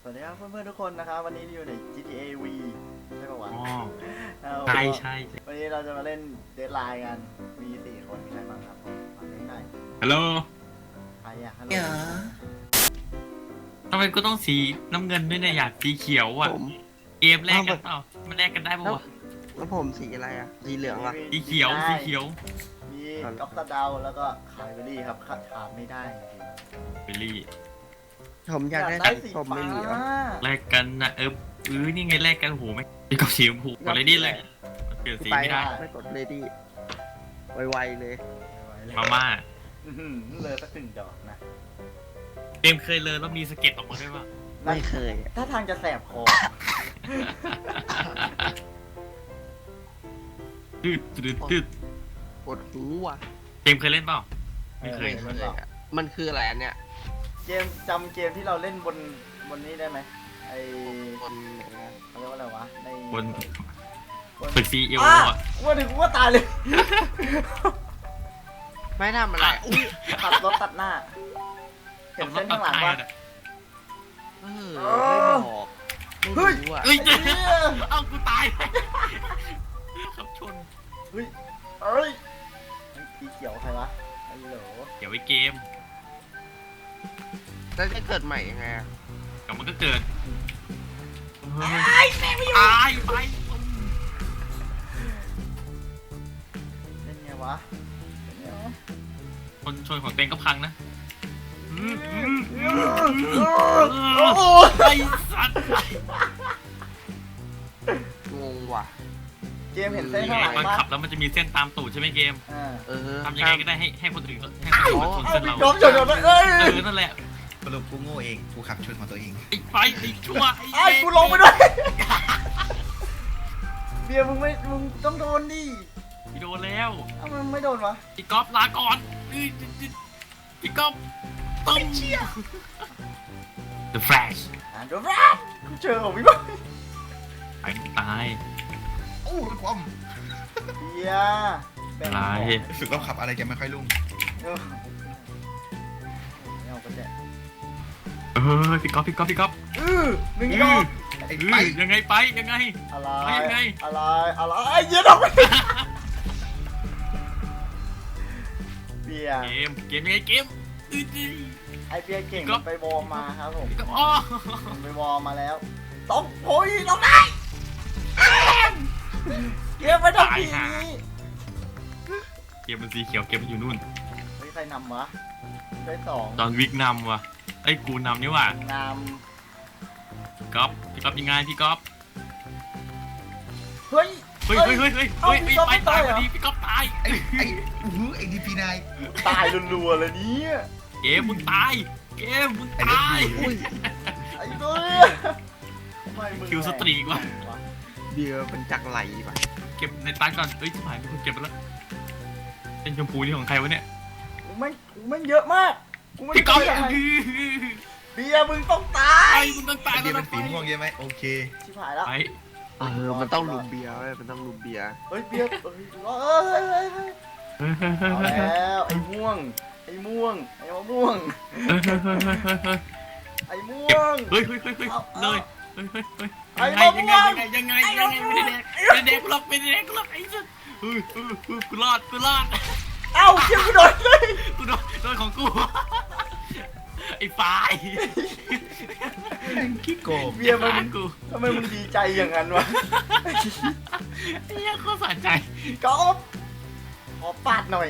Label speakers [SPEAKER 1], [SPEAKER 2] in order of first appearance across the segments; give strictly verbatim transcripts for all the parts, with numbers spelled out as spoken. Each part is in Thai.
[SPEAKER 1] วัสดีครับเพื่อนๆทุกคนนะครับวันนี้อยู่ใน จี ที เอ วี ใช่ป่าวะ
[SPEAKER 2] อ๋อ
[SPEAKER 1] เอา
[SPEAKER 2] ใช่ใช่
[SPEAKER 1] วันนี้เราจะมาเล่นเดดไลน์กันมีสี่คนมีใครบ้างครับผมฟังเล่นได้
[SPEAKER 2] ฮัลโหล
[SPEAKER 1] ใครอะฮัลโหล
[SPEAKER 2] ทำไมกูต้องสีน้ำเงินด้วยเนี่ยอยากสีเขียวอ่ะ
[SPEAKER 3] ผม
[SPEAKER 2] เกมแรกกันเปล่ามันแลกกันได้ปะวะ
[SPEAKER 3] แล้วผมสีอะไรอ่ะ สีเหลืองอ่ะ
[SPEAKER 2] สีเขียวสีเขียว
[SPEAKER 1] มีก๊อฟตาดาวแล้วก็คายเบอรี่ครับขาดขาดไม่ได้จริง
[SPEAKER 2] เบลลี่
[SPEAKER 3] ผม
[SPEAKER 1] ๆ
[SPEAKER 3] อยากได้
[SPEAKER 1] ได้
[SPEAKER 3] สี
[SPEAKER 1] สี
[SPEAKER 3] ส้ม
[SPEAKER 1] ฟ้า
[SPEAKER 3] ไม่มีวะ
[SPEAKER 2] แลกกันนะเออเออนี่ไงแลกกันโหไม่ไอ้กับสีชมพูกดเลยดิเลยมันเปลี่ยนสี
[SPEAKER 3] ไป
[SPEAKER 2] ไม่ได้
[SPEAKER 3] ไม่กดเลดี้ไวๆเลย
[SPEAKER 2] มาม่า
[SPEAKER 1] อื้อหือเลยสักหนึ่งดอกนะ
[SPEAKER 2] เกมเคยเลยแล้วมีสะเก็ตออกมาด้วยปะ
[SPEAKER 3] ไม่เคยอะ
[SPEAKER 1] ถ้าทางจะแสบคอ
[SPEAKER 2] ตืดตืดตืด
[SPEAKER 3] ปวดหูว่ะ
[SPEAKER 2] เกมเคยเล่นเปล่าไม่เคย
[SPEAKER 3] ไม่เคยอะมันคืออะไรอันเนี้ย
[SPEAKER 1] เกมจำเกมที่เราเล่นบนบนนี้ได้ไหมไอ
[SPEAKER 3] คนไหนอะ
[SPEAKER 1] เขาเรียกว่าอะไรวะใน
[SPEAKER 2] บน
[SPEAKER 1] บน
[SPEAKER 2] ตึกซีเอล
[SPEAKER 1] อ่ะ
[SPEAKER 2] อ่ะ
[SPEAKER 1] ว่าถึงว่าตายเลย
[SPEAKER 3] ไม่ทำอะไรอุ้ย
[SPEAKER 1] ขับรถตัดหน้า เห็นเส้นข้างหลังปะ
[SPEAKER 3] เออไม่บอกไม่รู้อ่ะ
[SPEAKER 2] เฮ้ย
[SPEAKER 1] ไอ้เหี้ย
[SPEAKER 2] เอ้ากูตายขับชน
[SPEAKER 1] เฮ้ยเอ้ยสีเขียวใครวะไอ้โหล
[SPEAKER 2] เดี๋ยวไว้เกม
[SPEAKER 3] แล้วจะเกิดใหม่ยังไงอะ
[SPEAKER 2] แต่มันก็เกิดตายแม่ไม่อยู่ตายไป
[SPEAKER 1] เล่นไงวะเล่นไงวะ
[SPEAKER 2] คนชนของเต็งก็พังนะอืมอืมอืม
[SPEAKER 1] โอ้โห
[SPEAKER 2] ไอ้สัตว์
[SPEAKER 3] งงว่ะ
[SPEAKER 1] เกมเห็นเส้น
[SPEAKER 2] ยัง
[SPEAKER 1] ข้าง
[SPEAKER 2] ไง
[SPEAKER 1] หลัง
[SPEAKER 2] ตอน
[SPEAKER 1] ปะ
[SPEAKER 2] ขับแล้วมันจะมีเส้นตามตูดใช่ไหมเกม
[SPEAKER 1] อ่า
[SPEAKER 3] เออ
[SPEAKER 2] ทำยังไงก็ได้ให้ให้คนอื่นให้คนอื่นมาชน
[SPEAKER 1] เอา
[SPEAKER 2] เส้น
[SPEAKER 1] พี่
[SPEAKER 2] เรา
[SPEAKER 1] ก๊อฟชนชนเอ้ย
[SPEAKER 2] เออนั่นแหละ
[SPEAKER 4] สรุปกูโง่เอง กูขับชนของตัวเอง
[SPEAKER 2] ไอ้ไฟไอ้ชั่ว
[SPEAKER 1] ไอ้กูลงไปด้วยเบียร์มึงไม่มึงต้องโดนดิ
[SPEAKER 2] พี่โดนแล้ว
[SPEAKER 1] อ้าวมันไม่โดนวะ
[SPEAKER 2] พี่ก๊อฟลาก่อนพี่ก๊อฟตึ้ม The Flash
[SPEAKER 1] อ่านดูแรปกูเจอของพี่บอย
[SPEAKER 2] ไปตาย
[SPEAKER 4] โอ้รถความ
[SPEAKER 1] เบียร์แบ่ง
[SPEAKER 2] อะไร
[SPEAKER 4] รู้สึกว่าขับอะไรจะไม่ค่อยลุ่ง
[SPEAKER 1] เออไม่เอาก็แจก
[SPEAKER 2] เออพี่ก๊อฟพี่ก๊อฟพี่ก๊อฟ
[SPEAKER 1] อือหนึ่ง
[SPEAKER 2] เอ
[SPEAKER 1] ดอ
[SPEAKER 2] อก
[SPEAKER 4] ไอ้
[SPEAKER 2] เอ
[SPEAKER 4] ไป
[SPEAKER 2] อยังไงไปยังไง
[SPEAKER 1] อะไร
[SPEAKER 2] เอายังไง
[SPEAKER 1] อะไรอะไรเยอะดอกไปเบียร์
[SPEAKER 2] เกมเกมยังไงเกมอื้ออื้อ
[SPEAKER 1] ไอเบียร์เก่ง
[SPEAKER 2] ก็
[SPEAKER 1] ไปวอร์มมาครับผม
[SPEAKER 2] พี่ก๊อฟอ๋อ
[SPEAKER 1] มันไปวอร์มมาแล้วต้องโอ้ยต้องได้เกมไม่ต้องผีนี้
[SPEAKER 2] เกมมันสีเขียวเกมมันอยู่นู่น
[SPEAKER 1] เฮ้ยใครนำวะได้สอง
[SPEAKER 2] ตอนวิกนำว่ะไอ้ยกูนำนี่ว่ะ
[SPEAKER 1] น
[SPEAKER 2] ก๊อฟพี่ก๊อฟยังไงพี่ก๊อฟ
[SPEAKER 1] ำเฮ้ย
[SPEAKER 2] เฮ้ยเฮ้ยเฮ้ยเฮ้ย
[SPEAKER 1] เอ้า
[SPEAKER 2] เฮ้ย
[SPEAKER 1] พี่ก๊อฟ
[SPEAKER 2] ไป
[SPEAKER 1] ไม่
[SPEAKER 2] ตา
[SPEAKER 1] ตาย ย
[SPEAKER 2] พ
[SPEAKER 1] เหร
[SPEAKER 2] อ
[SPEAKER 1] อ
[SPEAKER 2] ดีพี่ก๊อฟตาย
[SPEAKER 4] ไอ้ไอ้อื้อหือไอ้ดีพีนาย
[SPEAKER 1] ตายรัวๆเลยเนี่ย
[SPEAKER 2] เกมมึงตายเกมมึง
[SPEAKER 4] ไอ้เล็ก
[SPEAKER 2] ตาย
[SPEAKER 4] ดี
[SPEAKER 3] อุ้ย
[SPEAKER 1] ไอ้ตัวทำไมมึง
[SPEAKER 2] คิวสตรีกว่ะ
[SPEAKER 3] เบียร์เป็นจักรไหลป่ะ
[SPEAKER 2] เก็บในตังก่อนเอ้ยชิบหายมีคนเก็บไปแล้วเป็นชมพูนี่ของใครวะเนี่ย
[SPEAKER 1] กูไม่กูไม่เยอะมากกูไม่
[SPEAKER 2] พี่ก๊อฟ
[SPEAKER 1] ได้ยังไง
[SPEAKER 2] ไอ้
[SPEAKER 1] เบียร์มึงต้องตาย
[SPEAKER 2] มึงต้องตาย
[SPEAKER 4] ไอ้เดีย
[SPEAKER 2] แล้ว
[SPEAKER 4] เป็นสีม่วงใช่ไหมโอเค
[SPEAKER 1] ชิบหายแล้ว
[SPEAKER 2] ไป
[SPEAKER 3] เออมันต้องลุมเบียร์เว้ยมันต้องลุมเบียร์
[SPEAKER 1] เฮ้ยเบียร์เฮ้ยเฮ้ยเฮ้ยเฮ้ยเฮ้ยเอาแล้วไอ้ม่วงไอ้ม่วงไอ้มะม่วงไอ้ม่วง
[SPEAKER 2] เฮ้ยเฮ้ยเฮ้ยเฮ้ยเลยเฮ้ยเฮ้ยเฮ้ย
[SPEAKER 1] ไอ้
[SPEAKER 2] ยังไง
[SPEAKER 1] มะม่วง
[SPEAKER 2] ยังไงยังไงยังไงไม่ได้แดกไม่ได้แดกกูหรอกไม่ได้แดกกูหรอกไอ้สัสเฮ้ยเฮ้ยเฮ้ยกูรอดกูรอด
[SPEAKER 1] เอ้าเกี่ยวกูโดนเลย
[SPEAKER 2] กูโดนโดนของกูไอ้ฝ่าย
[SPEAKER 4] ขี้โกง
[SPEAKER 1] เบียร์มัน
[SPEAKER 2] กู
[SPEAKER 1] ทำไมมึงดีใจอย่างนั้นวะ
[SPEAKER 2] ไอ้เหี้ยโคตรสะใจ
[SPEAKER 1] ก๊อฟขอปาดหน่อย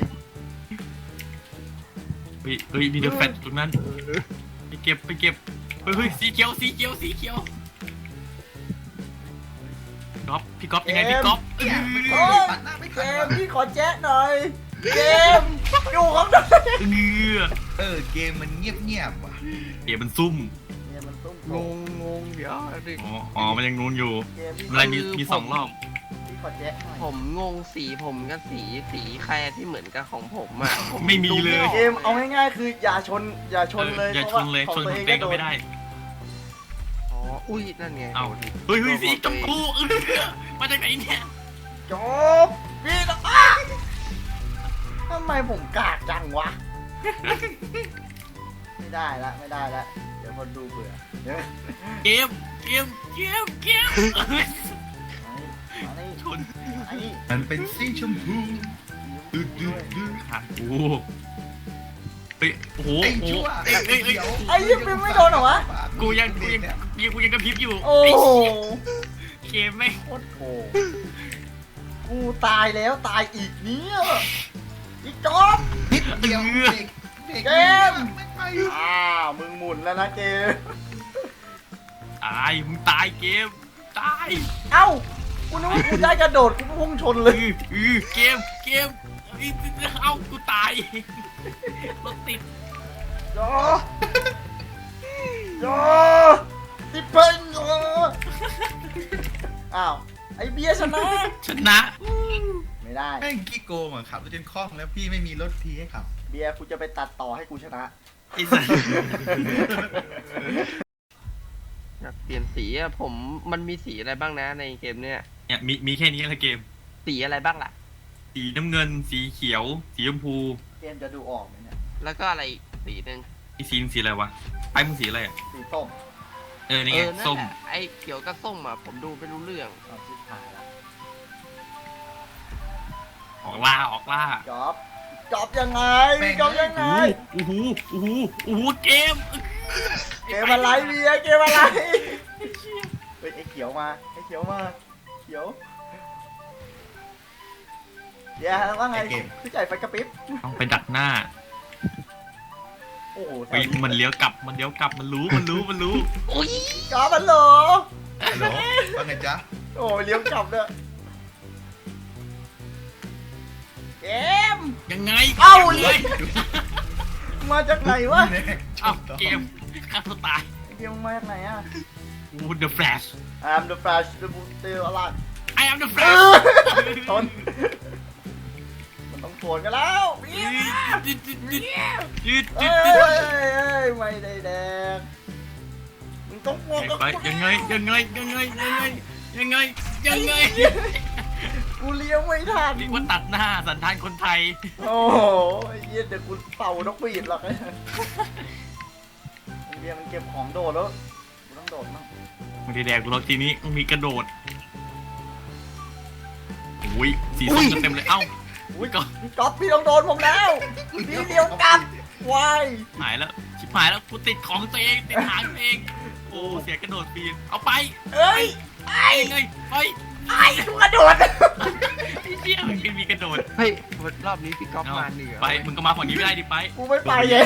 [SPEAKER 2] เฮ้ยเฮ้ยมีเดอะแฟตตรงนั้นไปเก็บไปเก็บเฮ้ยเฮ้ยสีเขียวสีเขียวสีเขียวก๊อฟพี่ก๊อฟยังไงพี่ก๊อฟ
[SPEAKER 4] เนี่ยมัน
[SPEAKER 1] โอ้ย
[SPEAKER 4] ปัดหน้าไม่
[SPEAKER 1] เก
[SPEAKER 4] ทัน
[SPEAKER 1] ม
[SPEAKER 4] ว่ะ
[SPEAKER 1] พี่ขอแจ๊ะหน่อยเกมอยู่ข้างใน
[SPEAKER 2] เงือ
[SPEAKER 4] เออเกมมันเงียบเงียบๆว่ะ
[SPEAKER 2] เกมมันซุ่ม
[SPEAKER 1] เนี่ยมันตุ้ม
[SPEAKER 3] งงงงเดี๋ยวดิ
[SPEAKER 2] อ๋ออ๋อมันยังนูนอยู่
[SPEAKER 1] เกมพี่
[SPEAKER 2] อะไรมีมีสองรอบ
[SPEAKER 1] พี่ขอแจ๊ะหน่อย
[SPEAKER 3] ผมงงสีผมกับสีสีใครที่เหมือนกับของผมอ่ะผ
[SPEAKER 2] ไม่มีเลย
[SPEAKER 3] ดูไออก
[SPEAKER 1] เกมเอาง่ายๆคืออย่าชนอย่าชนเลย
[SPEAKER 2] อย่าชนเลย
[SPEAKER 1] พ
[SPEAKER 2] ช
[SPEAKER 1] ราะ
[SPEAKER 2] น
[SPEAKER 1] ว่า
[SPEAKER 2] ข
[SPEAKER 1] ข
[SPEAKER 2] อ
[SPEAKER 1] อง ง
[SPEAKER 2] เต็
[SPEAKER 1] ตัว
[SPEAKER 2] ง
[SPEAKER 1] เอง
[SPEAKER 2] ก็
[SPEAKER 1] ก็โด
[SPEAKER 2] ไม่
[SPEAKER 1] น
[SPEAKER 2] ได้
[SPEAKER 3] อ๋ออุ้ยนั่นไง
[SPEAKER 2] เอ้า
[SPEAKER 3] โดน
[SPEAKER 2] เฮ้ยเฮ้ยสีชมพูเออมาจากไหนเนี่ย
[SPEAKER 1] จบพี่ต้องอ้าทำไมผมกากจังวะ ไม่ได้ละไม่ได้ละเดี๋ยวยวคนดูเบื่อเดี๋ยว
[SPEAKER 2] เกมเกมเกมเกม
[SPEAKER 1] มานี่
[SPEAKER 2] ชน
[SPEAKER 1] ไอ้นี่
[SPEAKER 4] มันเป็นสีชมพูดูดูดู
[SPEAKER 2] ขากูเฮ้ยโอ้โห
[SPEAKER 4] ไอ้
[SPEAKER 2] โอ้โห
[SPEAKER 4] ชั่ว
[SPEAKER 2] เอ้ยเอ้ยเอ้ย
[SPEAKER 1] ไอ้ยี่ปิมไม่โดนเหรอวะ
[SPEAKER 2] กูยังกูยังกูยังกระพริบอยู่
[SPEAKER 1] โอ้
[SPEAKER 2] ไอ้
[SPEAKER 1] โห
[SPEAKER 2] เหี้ยเกมไม่ง
[SPEAKER 1] โคตรโหดกูตายแล้วตายอีกเนี่ยอีกจอบ
[SPEAKER 4] นิดเดียวเด็กเด็ก
[SPEAKER 1] เกม
[SPEAKER 4] ไม่ไป
[SPEAKER 1] อ้าวมึงหมุนแล้วนะเกม
[SPEAKER 2] ตายมึงตายเกมตาย
[SPEAKER 1] เอ้ากูนึกว่ากูได้กระโดดกูพุ่งชนเลย
[SPEAKER 2] อืออือเกมเกมอีเอ้ากูตายรถติด
[SPEAKER 1] จอจอติเพิ่งจออ้าวไอเบียร์ชนะ
[SPEAKER 2] ชนะ
[SPEAKER 1] ไม่ได้
[SPEAKER 4] แม่งขี้โกงอ่ะขับรถจนคล่องแล้วพี่ไม่มีรถทีให้ขับ
[SPEAKER 1] เบียร์กูจะไปตัดต่อให้กูชนะ
[SPEAKER 2] ไอ้สัส
[SPEAKER 3] อยากเปลี่ยนสีอะผมมันมีสีอะไรบ้างนะในเกมเนี่ย
[SPEAKER 2] เนี่ยมีมีแค่นี้แหละเกม
[SPEAKER 3] สีอะไรบ้างล่ะ
[SPEAKER 2] สีน้ำเงินสีเขียว สีชมพู
[SPEAKER 1] เกมจะดูออกไหมเนี่ย
[SPEAKER 3] แล้วก็อะไรอีกสีหนึ่ง
[SPEAKER 2] ไอ้สีมึงสีอะไรวะไอ้มึงสีอะไรอ่ะ
[SPEAKER 1] สีส้ม
[SPEAKER 2] เออนี่
[SPEAKER 3] เอ
[SPEAKER 2] ไง
[SPEAKER 3] อนั่น
[SPEAKER 2] ส้ม
[SPEAKER 3] แหละไอ้เขียวกับส้มอะผมดูไม่รู้เรื่อง
[SPEAKER 1] เอาชิบหายแล้ว
[SPEAKER 2] ออกล่าออกล่า
[SPEAKER 1] จอบจอบยังไงจอบยังไง
[SPEAKER 2] โอ้โหโอ้โหโอ้โหเกม
[SPEAKER 1] เกมอะไรเบียร์เกมอะไรเฮ้ยไอเขียวมาไอเขียวมาเขียวเดี๋ยวว่าไงพี่จ่ายไฟกระพริบ
[SPEAKER 2] ต้องไปดักหน้า
[SPEAKER 1] โอ้โห
[SPEAKER 2] เฮ้ยมันเลี้ยวกลับมันเลี้ยวกลับมันรู้มันรู้มันรู้
[SPEAKER 1] จอบมันเหรอ
[SPEAKER 4] ฮัลโหลว่าไงจ๊ะ
[SPEAKER 1] โอ้ยเลี้ยวกลับเนี่ยเกม
[SPEAKER 2] ยังไง
[SPEAKER 1] เอ้า
[SPEAKER 2] ยังไง
[SPEAKER 1] มาจากไหนวะ
[SPEAKER 4] แน่
[SPEAKER 2] เอ้าเกมฆ่าตัวตาย
[SPEAKER 1] เกมมาจากไหนอ่ะ
[SPEAKER 2] โอ้ The Flash
[SPEAKER 1] I'm the Flash the Boot เตลอะไร
[SPEAKER 2] I am the
[SPEAKER 1] เอ
[SPEAKER 2] Flash
[SPEAKER 1] อทนมันต้องโผล่กันแล้วเบียร์
[SPEAKER 2] ยืดยืดยืดยืด
[SPEAKER 1] เอ้
[SPEAKER 2] ยื
[SPEAKER 1] ย
[SPEAKER 2] ด
[SPEAKER 1] เอ้ยไม่ได้แดงมึงต้องโผล่กับ
[SPEAKER 2] ไป
[SPEAKER 1] กู
[SPEAKER 2] ยังไงยังไงยังไงยังไงยังไงยังไง
[SPEAKER 1] กูเลี้ยวไม่ทัน
[SPEAKER 2] เรียกว่าตัดหน้าสันทานคนไทย
[SPEAKER 1] โอ้โหไอ้เหี้ยเดี๋ยวกูเป่านกหวีดหรอกไอ้เบียร์มันเก็บของโดดแล้วกูต้องโดดมั่ง
[SPEAKER 2] ไม่ได้แดกรถทีนี้ต้องมีกระโดดโอ้ยสีส้มจะเต็มเลยเอ้า
[SPEAKER 1] อุ้ย
[SPEAKER 2] ก็
[SPEAKER 1] พี่ก๊อฟพี่ต้องโดนผมแล้วพี่เดียวกลับวาย
[SPEAKER 2] หายแล้วชิบหายแล้วกูติดของตัวเองติดหางตัวเองโอ้เสียกระโดดปีนเอาไป
[SPEAKER 1] เอ้ยไอ้
[SPEAKER 2] ไปเลยไป
[SPEAKER 1] ไอ้กูกระโดด
[SPEAKER 2] ไอ้เหี้ยมันมีกระโดด
[SPEAKER 3] เฮ้ยรอบนี้พี่ก๊อฟ
[SPEAKER 2] เอา
[SPEAKER 3] มาเหนือ
[SPEAKER 2] ไปมึงก็มาฝั่งนี้ไม่ได้ดิไป
[SPEAKER 1] กูไม่ไปไง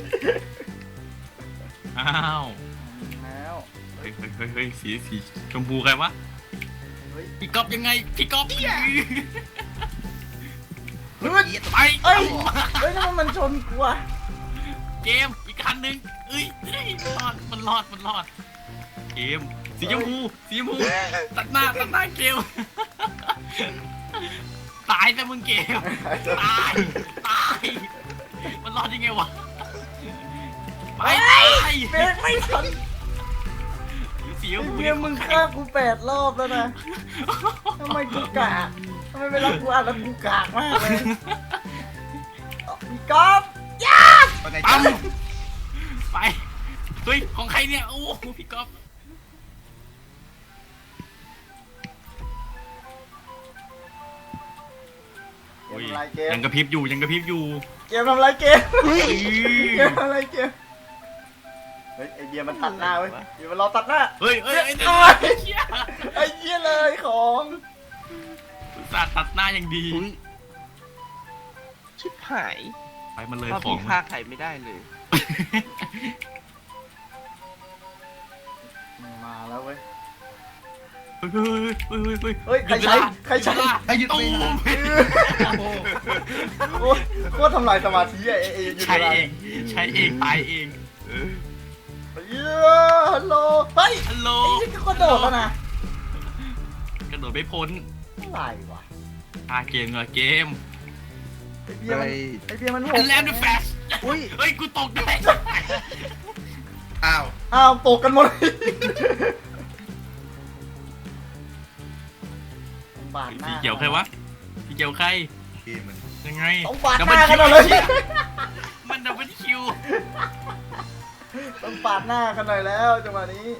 [SPEAKER 2] อ้าว
[SPEAKER 1] แล้ว
[SPEAKER 2] เฮ้ยเฮ้ยเฮ้ยเฮ้ยสีสีชมพูใครวะ
[SPEAKER 1] เฮ้ย
[SPEAKER 2] พี่ก๊อฟยังไงพี่ก๊อฟ
[SPEAKER 1] เฮ้ย
[SPEAKER 2] ไป
[SPEAKER 1] เอ้ยเฮ้ยทำไมมันชนกูอะ
[SPEAKER 2] เกมอีกคันหนึ่งเอ้ยเอ้ยรอดมันรอดมันรอดเกมสีชมพูสีชมพูตัดหน้าตัดหน้าเกมตายแต่มึงเกมตายตายมันรอดยังไงวะไปไป
[SPEAKER 1] เบรกไม่ทัน
[SPEAKER 2] สีชมพู
[SPEAKER 1] เมียมึงฆ่ากูแปดรอบแล้วนะทำไมกูกากทำไมเวลากูอ่านแล้วกูกากมากเลยพี่ก๊อฟย่า
[SPEAKER 4] ว่าไง
[SPEAKER 2] ปั๊
[SPEAKER 4] จ๊ะ
[SPEAKER 2] มไปเฮ้ยของใครเนี่ยโอ้พี่ก๊อฟ
[SPEAKER 1] เกมทำไรเกม
[SPEAKER 2] ยังกระพริบอยู่ยังกระพริบอยู่
[SPEAKER 1] เกมทำไรเกม
[SPEAKER 2] เฮ้ย
[SPEAKER 1] เกมทำไรเกมเฮ้ยไอเบียร์มันตัดหน้าเว้ยเบียร์มันรอตัดหน้า
[SPEAKER 2] เฮ้ยเฮ้ยไอ้
[SPEAKER 1] เอ้
[SPEAKER 2] เนี่ย
[SPEAKER 1] ย ไอ้เหี้ยเลยของ
[SPEAKER 2] อุตส่าห์ตัดหน้าอย่างดี
[SPEAKER 3] อุ๊ยชิบหาย
[SPEAKER 2] ไปมันเลย
[SPEAKER 3] รอบ
[SPEAKER 2] ของ
[SPEAKER 3] นี้ฆ่าใครไม่ได้เลย
[SPEAKER 1] มาแล้วเว้ย
[SPEAKER 2] เฮ้ยเฮ้ยเฮ้ยเฮ้ย
[SPEAKER 1] เฮ้ยใครใช้ใครใช้
[SPEAKER 4] ให้หยุด
[SPEAKER 2] ตู
[SPEAKER 4] เวลาม โอ้โห
[SPEAKER 1] โอ้ยโคตรทำลายสมาธิไอ้ไอ้ยู
[SPEAKER 2] ใช้
[SPEAKER 1] นิ
[SPEAKER 2] เองใช้เองตายเอง
[SPEAKER 1] เย้ฮัลโหลเฮ้ย
[SPEAKER 2] ฮัลโหล
[SPEAKER 1] ไอ้นี่ก็โดดแล้วนะ
[SPEAKER 2] กระโดดไม่พ้น
[SPEAKER 1] อะไรวะ
[SPEAKER 2] พาเกมเหรอเกม
[SPEAKER 1] ไอ้เบียร์มันไอ้เบียร์มันโห
[SPEAKER 2] อั
[SPEAKER 1] ด
[SPEAKER 2] นแลมเดอะแฟช
[SPEAKER 1] อุ้ย
[SPEAKER 2] เฮ้ยกูตกด้วย
[SPEAKER 4] อ้าว
[SPEAKER 1] อ้าวตกกันหมดเลยบาดหน้า
[SPEAKER 2] สีเขียวใครวะสีเขียวใคร
[SPEAKER 4] เกมมัน
[SPEAKER 2] ยังไง
[SPEAKER 1] ต้องบาดหน้ากันหมดเลย
[SPEAKER 2] มันดับเบิลคิว
[SPEAKER 1] ต้องปาดหน้ากันหน่อยแล้วจังหวะนี้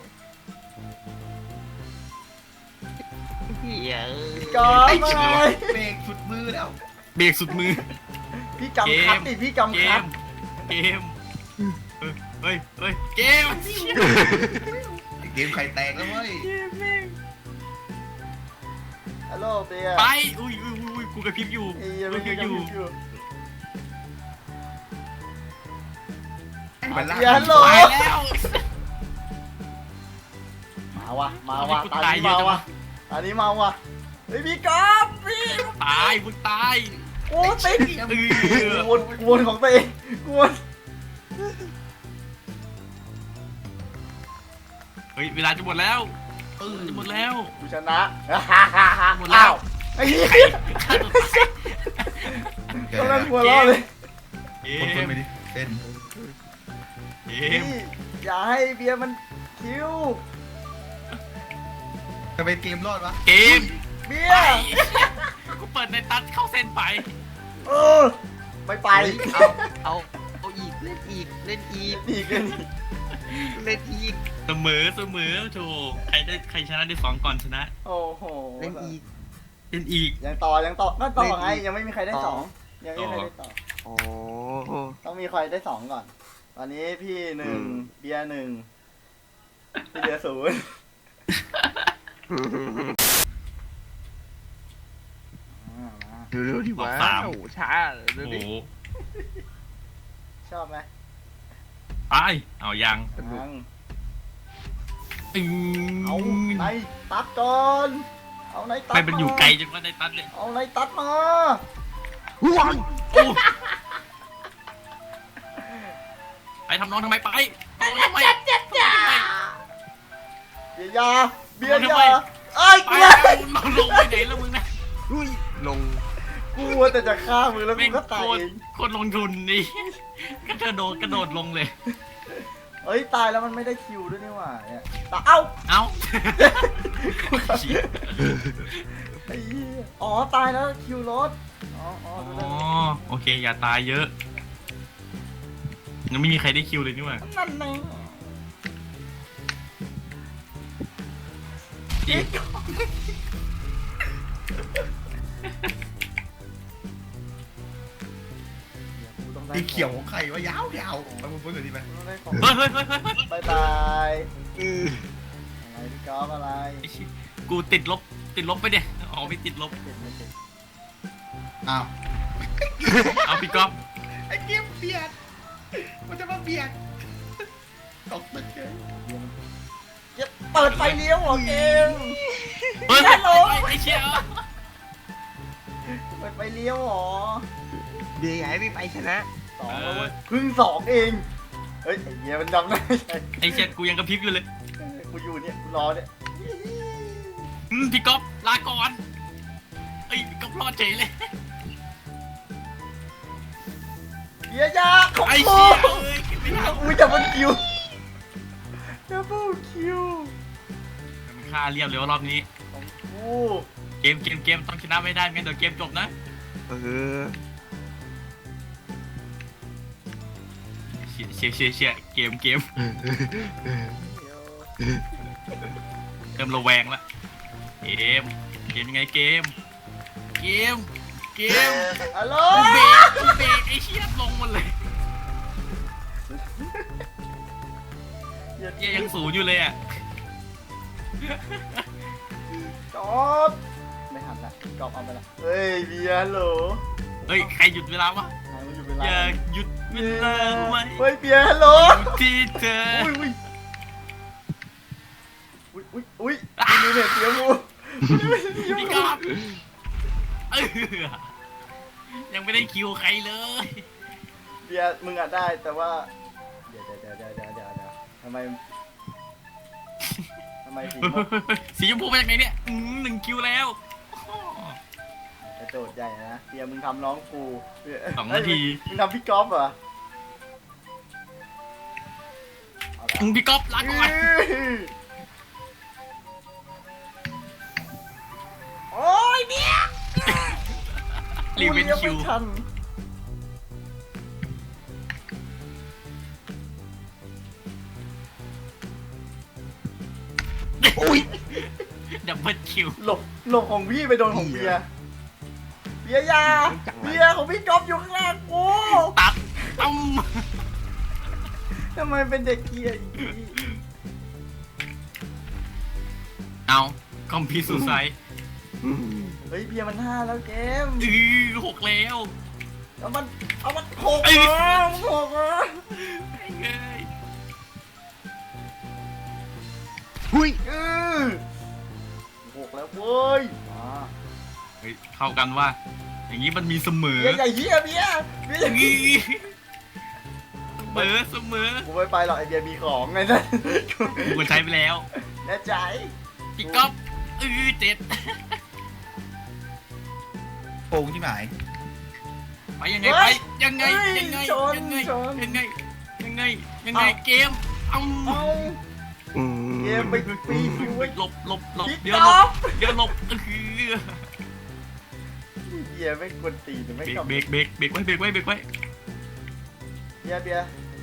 [SPEAKER 3] เหี้ย
[SPEAKER 1] กอล์
[SPEAKER 4] ไอ้
[SPEAKER 1] ฟ
[SPEAKER 4] เชี่
[SPEAKER 1] อะไร
[SPEAKER 4] ยเบรกสุดมือแล้ว
[SPEAKER 2] เบรกสุดมือ
[SPEAKER 1] พี่กำคัดดิพี่กำ
[SPEAKER 2] เก
[SPEAKER 1] คัด
[SPEAKER 2] มเกมเฮ้ยเฮ้ยเฮ้ยเกม
[SPEAKER 4] ไอ้เกมไข่แตกแล้วเว้ย
[SPEAKER 1] ฮัลโหลเบียร์
[SPEAKER 2] ไปอุ้ยอุ้ยอุ้ยกูกระพริบอยู่
[SPEAKER 1] ไอ้เหี้ยัง
[SPEAKER 2] กู
[SPEAKER 1] ไม่
[SPEAKER 2] กระพ
[SPEAKER 1] คิ
[SPEAKER 2] ริ
[SPEAKER 1] ด
[SPEAKER 2] บ
[SPEAKER 1] อ
[SPEAKER 2] อยู่ ยู่
[SPEAKER 4] มันลาก
[SPEAKER 1] เบียร์ฮัลโหล
[SPEAKER 2] ตายแล้ว
[SPEAKER 1] มาวะมาวะ
[SPEAKER 2] ทำไมกู
[SPEAKER 1] ตอน
[SPEAKER 2] ตาย
[SPEAKER 1] นี้
[SPEAKER 2] เยอะ
[SPEAKER 1] มา
[SPEAKER 2] จัง
[SPEAKER 1] วะ
[SPEAKER 2] วะ
[SPEAKER 1] ตอนนี้มาวะเฮ้ยพี่กอล์ฟพี่
[SPEAKER 2] ตายมึงตาย
[SPEAKER 1] โอ้ติด
[SPEAKER 2] เออ
[SPEAKER 1] กวนกวนของตัวเองกวน
[SPEAKER 2] เฮ้ยเวลาจะหมดแล้วเออจะหมดแล้ว
[SPEAKER 1] กูชนะ
[SPEAKER 2] หมดแล้ว
[SPEAKER 1] อ้าวไอ้เหี้ย
[SPEAKER 2] ฆ่าตัวตาย
[SPEAKER 4] เกิด
[SPEAKER 1] กำ
[SPEAKER 4] อะไร
[SPEAKER 1] ลังหัวเราะเลย
[SPEAKER 2] เก
[SPEAKER 4] คนคน
[SPEAKER 2] ม
[SPEAKER 4] ไปดิเต้น
[SPEAKER 2] เก
[SPEAKER 1] พี่
[SPEAKER 2] ม
[SPEAKER 1] อย่าให้เบียร์มันคิว
[SPEAKER 4] จะไปเกมรอดวะ
[SPEAKER 2] เกม
[SPEAKER 1] เบี
[SPEAKER 2] ไป
[SPEAKER 1] ยร์
[SPEAKER 2] กูเปิดในตัดเข้าเส้นไป
[SPEAKER 1] เออไม่ไป
[SPEAKER 3] เอาเอาเอาอีกเล่นอีกเล่นอีก
[SPEAKER 1] อีกเลย
[SPEAKER 3] เล่นอีก
[SPEAKER 2] เสมอเสมอโถใครได้ใครชนะได้สองก่อนชนะ
[SPEAKER 1] โอ้โห
[SPEAKER 3] เล่นอีก
[SPEAKER 2] เล่นอีก
[SPEAKER 1] ยังต่อยังต่อก็ต่อไง
[SPEAKER 3] เล่นอีก
[SPEAKER 1] ยังไม่มีใครได้
[SPEAKER 3] ต่อ
[SPEAKER 1] สองยังไม่มีใครได้ต่อ
[SPEAKER 3] โอ้
[SPEAKER 1] ต้องมีใครได้สองก่อน ตอนนี้พี่หนึ่ง
[SPEAKER 3] อืม
[SPEAKER 1] เบียร์หนึ่งพี่เบียร์ศูนย์อ่ามา
[SPEAKER 3] ดูดูดิวะ
[SPEAKER 2] บอกสาม
[SPEAKER 3] โอ้โหช้าดู
[SPEAKER 2] โอ้โห
[SPEAKER 3] ดิ
[SPEAKER 1] ชอบไหม
[SPEAKER 2] ไปเอายัง
[SPEAKER 1] ยัง
[SPEAKER 2] อืม
[SPEAKER 1] เอาในตัดก่อนเอาในตัด
[SPEAKER 2] ไม่เป็นอยู่ไกลจนว่าในตัดเลย
[SPEAKER 1] เอาในตัดมา
[SPEAKER 3] ว้าว
[SPEAKER 2] โอ้ไปทำน้องทำไมไปทำน้องทำไม
[SPEAKER 1] เบียร์ยาเบียร์
[SPEAKER 2] ทำไม
[SPEAKER 1] ยาไอ้ย
[SPEAKER 2] ไป
[SPEAKER 1] เบียร์
[SPEAKER 2] มึงลงไปไหนแล้วมึงนะ
[SPEAKER 3] อุ้ยลง
[SPEAKER 1] กูว่าแต่จะฆ่ามึงแล้วกู
[SPEAKER 2] แม่ง
[SPEAKER 1] ก็ตาย
[SPEAKER 2] โคตร
[SPEAKER 1] เอง
[SPEAKER 2] โคตรลงทุนนี่ก็กระโดดกระโดดลงเลย
[SPEAKER 1] เอ้ยตายแล้วมันไม่ได้คิวด้วยนี่หว่าเนี่ยตาเอ้า
[SPEAKER 2] เอ้า
[SPEAKER 1] ไอ้เหี้ยอ๋อตายแล้วคิวรถอ๋ออ๋อ
[SPEAKER 2] อ๋
[SPEAKER 1] ดู
[SPEAKER 2] อ
[SPEAKER 1] ได้
[SPEAKER 2] โอเคอย่าตายเยอะยังไม่มีใครได้คิวเลยนี่หว่า
[SPEAKER 1] นั่นไง
[SPEAKER 2] อีก
[SPEAKER 1] กูต้องได้
[SPEAKER 4] สีเขียวของใครวะยาวยาวๆมาพูดหน่อยดิไหม
[SPEAKER 1] กูต้องได้ของ
[SPEAKER 2] เฮ้ยเฮ้ยเฮ้ยเฮ้ยเฮ้ย
[SPEAKER 1] บายบาย
[SPEAKER 3] อือ
[SPEAKER 1] อะไรพี่กอล์ฟอะไร
[SPEAKER 2] ไอ้เหี้ยกูติดลบติดลบไปเนี่ยอ๋อไม่ติดลบ
[SPEAKER 1] เจ็บไม่เจ็บ
[SPEAKER 4] อ้าว
[SPEAKER 2] เอาพี่ก๊อฟ
[SPEAKER 4] ไอ้เกมเบียดมันจะมาเบียดตกตึกเลย
[SPEAKER 1] เจ็บเปิดไฟเลี้ยวเหรอเกม
[SPEAKER 2] เฮ้ย
[SPEAKER 1] ฮัลโหล
[SPEAKER 2] ไอ้เชี่ย
[SPEAKER 1] เปิดไฟเลี้ยวเหรอ
[SPEAKER 3] เดี๋ยวย้ายไม่ไปชนะ
[SPEAKER 1] สองแล้วเว้ยเพึ่งสองเองเฮ้ยไอ้เหี้ยมันจำได้ใช่
[SPEAKER 2] ไอ้เชี่ยกูยังกระพริบอยู่เลย
[SPEAKER 1] กูอยู่เนี่ยกูรอเนี่ย
[SPEAKER 2] อืมพี่ก๊อฟลาก่อนไอ้ยพี่ก๊อฟรอดเฉยเลย
[SPEAKER 1] เบียร์ยาของ
[SPEAKER 2] ไอ้
[SPEAKER 1] กู
[SPEAKER 2] เชี่ยเอ้ยไม่ได้
[SPEAKER 1] อุ้ยดับเบิลคิวดับเบิลคิว
[SPEAKER 2] มันฆ่าเรียบเลยว่ารอบนี้
[SPEAKER 1] ของกู
[SPEAKER 2] เกมเกมเกมต้องชนะไม่ได้ไม่งั้นเดี๋ยวเกมจบนะ
[SPEAKER 3] เออ
[SPEAKER 2] เชี่ยเชี่ยเชี่ยเชี่ยเกมเกมเริ่มระแวงละเกมเกมยังไงเกมเกมเกม
[SPEAKER 1] ฮัลโหล
[SPEAKER 2] กูเบรกกูเบรกไอ้เชี่ยลงหมดเลยเหี้ยยังศูนย์อยู่เลยอ่ะ
[SPEAKER 1] จอบไม่หันละจอบเอาไปละเฮ้ยเบียร์ฮัลโหล
[SPEAKER 2] เฮ้ยใครหยุดเวลาวะ
[SPEAKER 1] หายมาอยู่เวลา
[SPEAKER 2] อย่าหยุดเวลาไว้
[SPEAKER 1] เฮ้ยเบียร์ฮัลโหล
[SPEAKER 2] ที่เธอ
[SPEAKER 1] อุ้ยอุ้ยอุ้ยอุ้ยอุ้ยมีเนี่ยเสียมูมีเนี่ยเสีย
[SPEAKER 2] พี่
[SPEAKER 1] มู
[SPEAKER 2] กอบเออยังไม่ได้คิวใครเลย
[SPEAKER 1] เบียร์มึงอ่ะได้แต่ว่าเดี๋ยวเดี๋ยวเดี๋ยวเดี๋ยวเดี๋ยวเดี๋ยวทำไมทำไมสีม่วง
[SPEAKER 2] สีชมพูมาจากไหนเนี่ยอืมหนึ่งคิวแล้ว
[SPEAKER 1] กระโดดใหญ่นะเบียร์มึงทำน้องกูเบียร์
[SPEAKER 2] สองนาที
[SPEAKER 1] เอ้ยมึงทำพี่ก๊อฟเหรอเอาละ
[SPEAKER 2] อืมพี่กอบลาก่อน
[SPEAKER 1] โอ้ยเบียร์
[SPEAKER 2] รีเวนคิว
[SPEAKER 1] กูลี้ยงไม่ทัน
[SPEAKER 3] อุ้ย
[SPEAKER 2] ดับเบิลคิว
[SPEAKER 1] หลบหลบของพี่ไปโดนของเบียร์เบียร์ยาเบียร์ของพี่ก๊อฟอยู่ข้างล่างกู
[SPEAKER 2] ตัดต้ม
[SPEAKER 1] ทำไมเป็นเด็กเกียร์อย่างนี้
[SPEAKER 2] เอาคอมพิวซูไซ
[SPEAKER 1] เฮ้ยเบียร์มันห้าแล้วเกม
[SPEAKER 2] อือหกแล้ว
[SPEAKER 1] เอามันเอามันหก
[SPEAKER 2] เอ้ย
[SPEAKER 1] เหรอมันหกเหรอ
[SPEAKER 2] เอ้ย
[SPEAKER 3] อุ้ย
[SPEAKER 1] เออหกแล้วเว้ยมา
[SPEAKER 2] เฮ้ยเข้ากันว่า อย่างนี้มันมีเสมอ
[SPEAKER 1] เบียร์ใหญ่เฮียเบียร์เบียร์
[SPEAKER 2] อือเสมอเสมอ
[SPEAKER 1] กูไม่ไปหรอกไอเบียร์มีของไงนั่น
[SPEAKER 2] กูใช้ไปแล้ว
[SPEAKER 1] แน่ใจ
[SPEAKER 2] พี่ก๊อฟอือเจ็ด
[SPEAKER 4] โกงที่หมาย
[SPEAKER 2] ไปยังไงไปยังไงยังไงยังไงยังไงยังไงยังไงเกมเอา
[SPEAKER 1] เอา
[SPEAKER 3] อืม
[SPEAKER 1] เกมไปปีคิวไว้
[SPEAKER 2] หลบหลบหลบ
[SPEAKER 1] พี่
[SPEAKER 2] เดี๋ยว
[SPEAKER 1] ก๊
[SPEAKER 2] หล
[SPEAKER 1] อบ ฟ
[SPEAKER 2] เดี๋ยวหลบเออ
[SPEAKER 1] เบียร์ไม่กวนตีนไม่
[SPEAKER 2] เบร
[SPEAKER 1] ก
[SPEAKER 2] ก
[SPEAKER 1] ลับ
[SPEAKER 2] เบรกเบรกเบรกไว้เบรกไว้เบรกไว้
[SPEAKER 1] เบียร์เบียร์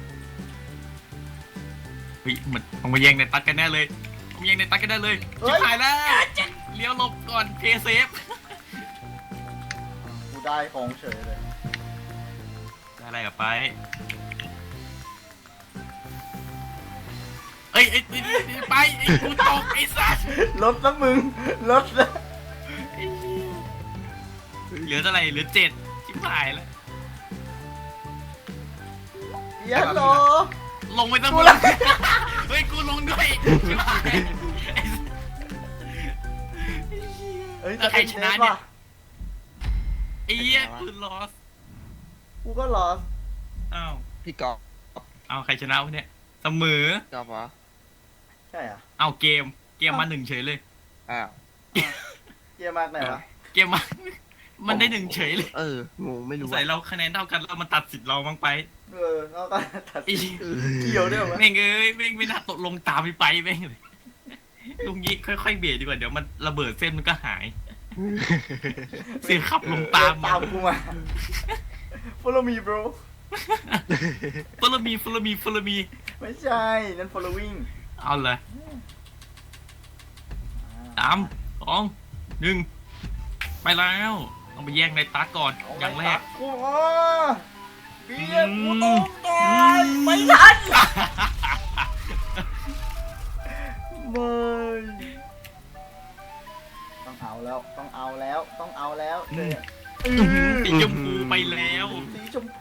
[SPEAKER 2] เฮ้ยเหมือนต้องมาแย่งในตัดกันแน่เลยต้องมาแย่งในตัดกันแน่เลยชิบหายแล้วเลี้ยวหลบก่อนเพย์เซฟ
[SPEAKER 1] กูได้ของเฉยเลย
[SPEAKER 2] ได้อะไรกับไปเอ้ยไอ้ไอ้ไอ้ไปไอ้กูตกไอ้สัส
[SPEAKER 1] ลดแล้วมึงลดแล้ว
[SPEAKER 2] เหลือเท่าไหร่เหลือเจ็ดชิบหายแล้ว
[SPEAKER 1] เบียร์โหล
[SPEAKER 2] ลงไปตั้ง
[SPEAKER 1] กู
[SPEAKER 2] หมด
[SPEAKER 1] ละ
[SPEAKER 2] เฮ้ยกูลงด้วยชิบหายไอ้สัส
[SPEAKER 1] เฮ้ย
[SPEAKER 2] แล้วใครชนะเนี่ย
[SPEAKER 1] ว่
[SPEAKER 2] ไอ้เหี้ยกูลอส
[SPEAKER 1] กูก็ลอส
[SPEAKER 2] อ้าว
[SPEAKER 3] พี่กอล์ฟ
[SPEAKER 2] เอาใครชนะวะเนี่ยเสมอ
[SPEAKER 3] กอล์ฟเหรอ
[SPEAKER 1] ใช่อ่ะ
[SPEAKER 2] เอาเกมเกมมาหนึ่งเฉยเลย
[SPEAKER 3] อ้าว
[SPEAKER 1] เกียร์มากไหนวะ
[SPEAKER 2] เกมมา มันได้หนึ่งเฉยเลย
[SPEAKER 3] เอองงไม่รู้
[SPEAKER 2] ใส่
[SPEAKER 3] ว่า
[SPEAKER 2] เราคะแนนเท่ากันแล้วมันตัดสิทธิ์เราบ้างไป
[SPEAKER 1] เออเราก็ตัด
[SPEAKER 2] ไอ้
[SPEAKER 1] เกี่ยวด้วยวะ
[SPEAKER 2] แม่งเอ้ยแม่งไม่น่าตกลงตามไปไปแม่งเลยลุงยี่ค่อยๆเบียดดีกว่าเดี๋ยวมันระเบิดเส้นมันก็หาย เสียขับลงตาม
[SPEAKER 1] ตามกูมา follow me bro
[SPEAKER 2] ฟลมีฟลมีฟลมี
[SPEAKER 1] ไม่ใช่นั่น following
[SPEAKER 2] เอาเลยสามสองหนึ่งไปแล้วต้องไปแย่งในตาก่อนอย่างแรก
[SPEAKER 1] กูอ๋อเบียร์กู
[SPEAKER 2] อืม
[SPEAKER 1] ตกตายไม่ทันไม่ต้องเอาแล้วต้องเอาแล้วต้องเอาแล้วเนี่ย
[SPEAKER 2] สีชมพูไปแล้ว
[SPEAKER 1] สีชมพู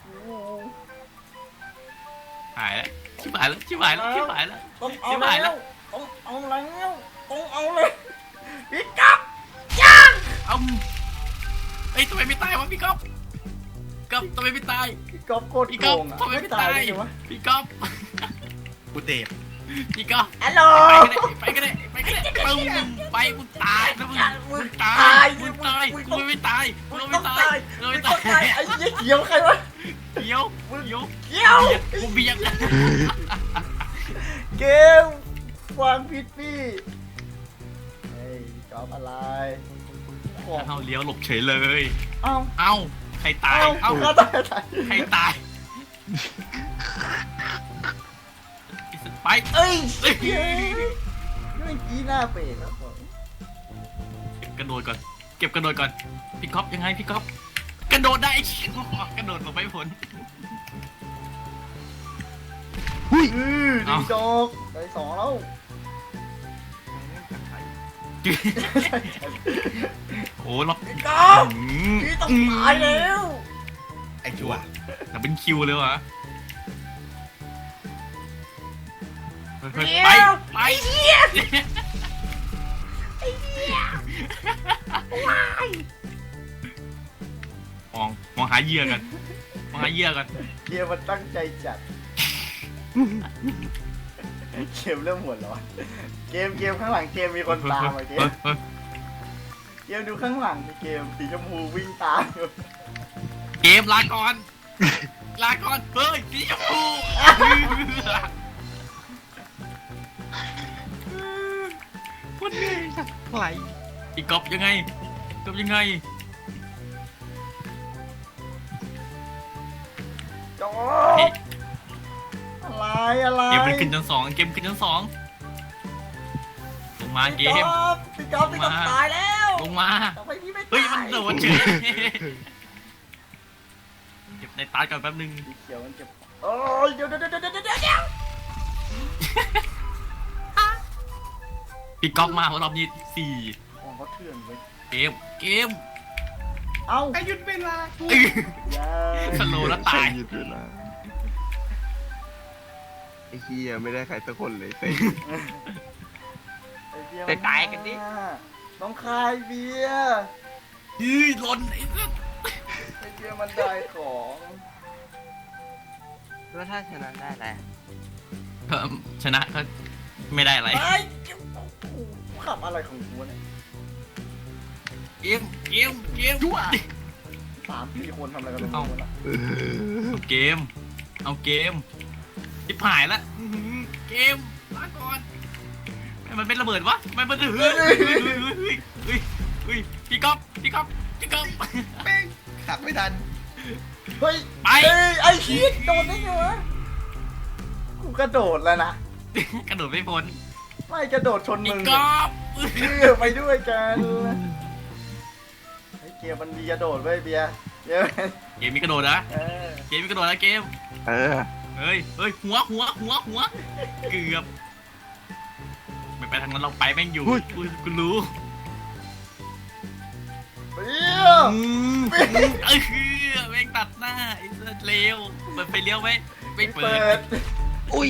[SPEAKER 2] หายแล้วชิบหายแล้วชิบหายแล้วชิบหายแล้ว
[SPEAKER 1] ต้องเอา
[SPEAKER 2] ชิบหายแล้
[SPEAKER 1] แล้ว วต้องเอาแล้วต้องเอาเลยพี่กับย่าง
[SPEAKER 2] เอาเอ้ยทำไมไม่ตายวะพี่ก๊อฟก๊อฟทำไมไม่ตาย
[SPEAKER 1] พี่ก๊อฟโคตร
[SPEAKER 2] พี่
[SPEAKER 1] โก
[SPEAKER 2] ก๊อฟ
[SPEAKER 1] งอ่ะ
[SPEAKER 2] ทำไมไม่ตาย
[SPEAKER 1] ได้ไงวะ
[SPEAKER 2] พี่ก๊อฟ
[SPEAKER 4] กูเดฟ
[SPEAKER 2] พี่ก๊อฟ
[SPEAKER 1] ฮัลโหล
[SPEAKER 2] ไปก็ได้ไปก็ได้ไปก็ได้ปึ้มไปมึงตายนะมึงมึงตา
[SPEAKER 1] ตาย
[SPEAKER 2] ยมึงตายกูไม่ตายกู
[SPEAKER 1] มึง
[SPEAKER 2] ไม่
[SPEAKER 1] ต้อง
[SPEAKER 2] ตา
[SPEAKER 1] ตาย ย
[SPEAKER 2] กู
[SPEAKER 1] มึ
[SPEAKER 2] ไม่
[SPEAKER 1] งต้
[SPEAKER 2] ตา
[SPEAKER 1] องตาย
[SPEAKER 2] ย
[SPEAKER 1] ไอ้เหี้ยเขียวใครวะ
[SPEAKER 2] เดี๋ยวเดี๋ยว
[SPEAKER 1] เขียว
[SPEAKER 2] กูเบียด
[SPEAKER 1] เกมวางผิดพี่เฮ้ยก๊อฟอะไรของ
[SPEAKER 2] เอาเลี้ยวหลบเฉยเลย
[SPEAKER 1] เอ้า
[SPEAKER 2] เอ้าใครตาย
[SPEAKER 1] เอ้า
[SPEAKER 2] เอ้า
[SPEAKER 1] ตายตาย
[SPEAKER 2] ใครตายไป
[SPEAKER 1] เอ้ย
[SPEAKER 2] เอ้ย
[SPEAKER 1] เฮ้ยเมื่อกี้หน้าเปรตแล้วผม
[SPEAKER 2] เก็บกระโดดก่อนเก็บกระโดดก่อนพี่ก๊อฟยังไงพี่ก๊อฟกระโดดได้ไอ้เชี่ยกระโดดลงไปผล
[SPEAKER 1] อือดีจอกได้สองแล้ว
[SPEAKER 2] โอ้ล็อก
[SPEAKER 1] พี่ก๊อฟพี่ต้องตายแล้ว
[SPEAKER 4] ไอ้ชัว
[SPEAKER 2] แต่เป็นคิวเลยวะไป
[SPEAKER 1] เดี๋
[SPEAKER 2] ไป
[SPEAKER 1] ยว
[SPEAKER 2] ไป
[SPEAKER 1] ไอ้เหี้ยไอ้เหี้ยว้าย
[SPEAKER 2] มองมองหาเหยื่อกันมองหาเหยื่อกัน
[SPEAKER 1] เกมมันตั้งใจจัดเกมเริ่มหัวร้อนเกมเกมข้างหลังเกมมีคนตามอ่ะเกม
[SPEAKER 2] เฮ้ย
[SPEAKER 1] เกมดูข้างหลังเกมสีชมพูวิ่งตามอยู่
[SPEAKER 2] เกมลาก่อน ลาก่อนเฮ้ยสีชมพูวันนี้
[SPEAKER 3] ใคร
[SPEAKER 2] อีกกอบยังไงกอบยังไง
[SPEAKER 1] จออะไรอะไร
[SPEAKER 2] เกมมันขึ้นชั้นสองเกมขึ้นชั้นสองลงมาเก
[SPEAKER 1] พี่
[SPEAKER 2] ม
[SPEAKER 1] ก๊อฟพี่ก๊อฟพี่ก๊อฟ
[SPEAKER 2] มา
[SPEAKER 1] ตายแล้ว
[SPEAKER 2] ลงมา
[SPEAKER 1] ทำไมพี่ไม่ตาย
[SPEAKER 2] เฮ้ยมันโดนเฉยเก็บในตาก่อนแป๊บนึง
[SPEAKER 1] สีเขียวมันเจ็บโอ้ยเดี๋ยวเดี๋ยวเดี๋ยวเดี๋ยวเดี๋ยวเดี๋ยว
[SPEAKER 2] พี่ก๊อฟมารอบนี้สี่
[SPEAKER 1] ของเขาเถื่อนเว้ย
[SPEAKER 2] เกมเกม
[SPEAKER 1] เอ้า
[SPEAKER 4] ไอ้หยุดเวลากู
[SPEAKER 2] อื้อ
[SPEAKER 1] อย่า
[SPEAKER 2] สโลว์แล้วตาย
[SPEAKER 3] หยุดเวลาไอ้เฮียไม่ได้ใครสักคนเลยเซ็ง
[SPEAKER 1] ไอ้เบียร์
[SPEAKER 3] ไปตายกันดิ
[SPEAKER 1] น้องคายเบียร์
[SPEAKER 2] ยืดหล่นไอ้สัส
[SPEAKER 1] ไอ้เบียร์มันได้ของ
[SPEAKER 3] แล้วถ้าชนะได้แหละ
[SPEAKER 2] เอิ่มชนะก็ไม่ได้อะไร
[SPEAKER 1] ไอ้กูขับอะไรของกูเนี่ย
[SPEAKER 2] เกมเกมเกม
[SPEAKER 4] ยั่ว
[SPEAKER 1] สามสี่คนทำอะไรกันตรงนี้วะ
[SPEAKER 3] เออ
[SPEAKER 2] เอาเกม เอาเกมทิบหายละอื้อหือเกมมาก่อนทำไมมันเป็นระเบิดวะทำไมมันเฮ้ยเฮ้ยเฮ้ยเฮ้ยเฮ้ยเฮ้ยพี่ก๊อฟพี่ก๊อฟพี่ก๊อฟ
[SPEAKER 4] แม่งขับไม่ทัน
[SPEAKER 1] เฮ้ย
[SPEAKER 2] ไป
[SPEAKER 1] เอ้ยไอ้ชีสโดนได้ไงวะกูกระโดดแล้วนะ
[SPEAKER 2] กระโดดไม่พ้น
[SPEAKER 1] ไม่กระโดดชน
[SPEAKER 2] พี่
[SPEAKER 1] มึง
[SPEAKER 2] ก๊อฟ
[SPEAKER 1] เออไปด้วยกันไอ้เกียร์มันดีกระโดดเว้ยเบียร์เบียร์
[SPEAKER 2] เกมมีกระโดดนะ
[SPEAKER 1] เออ
[SPEAKER 2] เกมมีกระโดดนะเกม
[SPEAKER 3] เออ
[SPEAKER 2] เฮ้ยเฮ้ยหัวหัวหัวหัวเกือบไม่ไปทางนั้นเราไปแม่งอยู่กูกูรู้
[SPEAKER 1] เบียร์
[SPEAKER 2] อืมเออแม่งตัดหน้าไอ้เสื้อเลวเปิดไฟเลี้ยวไหมไม่เปิ
[SPEAKER 1] เปิ
[SPEAKER 2] ด
[SPEAKER 1] ด
[SPEAKER 3] อุ้ย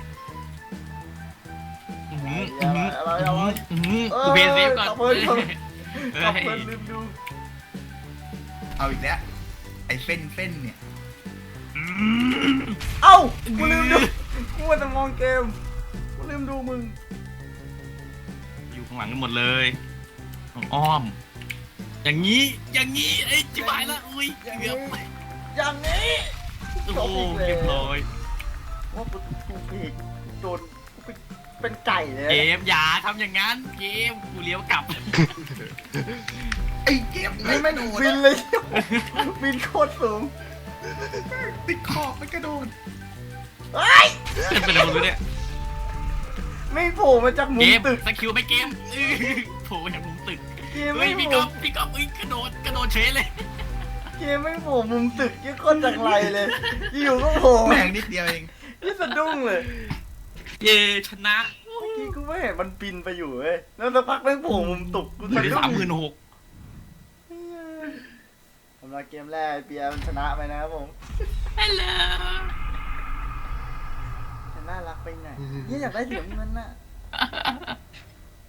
[SPEAKER 2] อื้อหือ
[SPEAKER 1] อะไรอะไร
[SPEAKER 2] อื้อหือ
[SPEAKER 1] เออ
[SPEAKER 2] กูเพย์เซฟก่อน
[SPEAKER 1] ขับเพลินขับ
[SPEAKER 2] เฮ้
[SPEAKER 1] ขับ
[SPEAKER 2] ย
[SPEAKER 1] เพลินลืมดู
[SPEAKER 4] เอาอีกแล้วไอ้เส้นเส้นเนี่ย
[SPEAKER 2] อืม
[SPEAKER 1] เอ้ากูลืมดูกูว่าจะมองเกมกูลืมดูมึง
[SPEAKER 2] อยู่ข้างหลังกันหมดเลยของอ้อม อย่างนี้อย่างนี้ไอ้จิ๋วหายละอุ้ย
[SPEAKER 1] อย่าง
[SPEAKER 2] เกื
[SPEAKER 1] นี้
[SPEAKER 2] อบ
[SPEAKER 1] อย่างนี้
[SPEAKER 2] โอ้โหเรียบร้อย
[SPEAKER 1] ว่ากูกูพีกโดนกูเป็นเป็นไก่เลย
[SPEAKER 2] เกมอย่าทำอย่างนั้นเกมกูเลี้ยวกลับ
[SPEAKER 4] ไอ้เกม
[SPEAKER 1] นี่
[SPEAKER 4] ไม่
[SPEAKER 1] แม่ง
[SPEAKER 4] โดด
[SPEAKER 1] บินเลย บินโคตรสูง
[SPEAKER 4] ติดขอบไม่กระโดด
[SPEAKER 1] เฮ้ย
[SPEAKER 2] เป็นอะไรไม่รู้เนี่ย
[SPEAKER 1] ไม่โผล่มาจากมุ
[SPEAKER 2] เก
[SPEAKER 1] ม
[SPEAKER 2] ม
[SPEAKER 1] ตึก
[SPEAKER 2] สกิลไปเกมอื้อโผล่จากมุมตึก
[SPEAKER 1] เกม
[SPEAKER 2] เฮ้
[SPEAKER 1] ไม่
[SPEAKER 2] ยพี่
[SPEAKER 1] โผ
[SPEAKER 2] ก๊
[SPEAKER 1] ล่
[SPEAKER 2] อฟพี่ก๊อฟเอ้ยกระโดดกระโดดเฉยเลย
[SPEAKER 1] เกมไม่โผล่มุมตึกยี่โคตรจากไรเลย อยู่ก็โผล่
[SPEAKER 4] แม่งนิดเดียวเอง
[SPEAKER 1] นี่สะดุ้งเลย
[SPEAKER 2] เย่ชนะ
[SPEAKER 1] เมื่อกี้กูไม่เห็นมันบินไปอยู่เว้ยแล้วสักพักแม่งโผล่มุมตึกกู
[SPEAKER 2] อยู่
[SPEAKER 1] สะ
[SPEAKER 2] ที่
[SPEAKER 1] ดุ้
[SPEAKER 2] สาม
[SPEAKER 1] ง
[SPEAKER 2] หมื่นหก
[SPEAKER 1] สำหรับเกมแรกไอ้เปียมันชนะไปนะครับผม
[SPEAKER 2] ฮัลโหล
[SPEAKER 1] จะน่ารักไปไหนเนี่ยอยากได้เหรียญเงินน่ะ